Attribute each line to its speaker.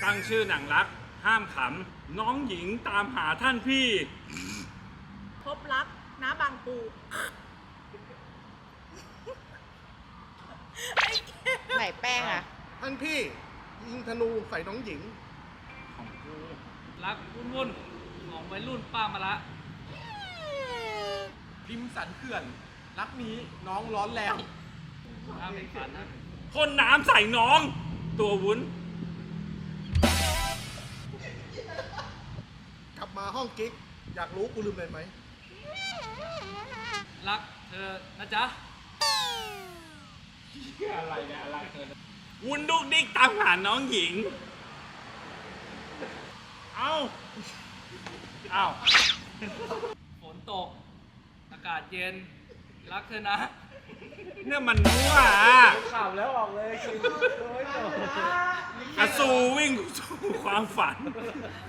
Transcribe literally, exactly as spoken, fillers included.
Speaker 1: ตั้งชื่อหนังรักห้ามขำน้องหญิงตามหาท่านพี่
Speaker 2: พบรักน้าบางปู
Speaker 3: ไหนแป้งอ่ะ
Speaker 4: ท่านพี่ยิงธนูใส่น้องหญิง
Speaker 1: ของกู
Speaker 5: รักวุ่นวุ่นของวัยรุ่นป้ามาละ
Speaker 4: ริมสันเขื่อน รักนี้น้องร้อนแรง
Speaker 5: ห้ามเป็นฝันนะ
Speaker 1: พ่นน้ำใส่น้อง ตัววุ้น
Speaker 4: กลับมาห้องกิ๊ก อยากรู้กูลืมอะไรไหม
Speaker 5: รักเธอนะจ๊ะ
Speaker 1: อะไรเนี่ยอะไรวุ้นดุกดิกตามหาน้องหญิง เอ้า เอ้า
Speaker 5: ฝนตก อากาศเย็น รักเธอนะ
Speaker 1: เนี่ยมันมั่วอะ
Speaker 6: ข่าวแล้วออกเลยคือโอ้ยโ
Speaker 1: กระสูวิ่งสู่ความฝัน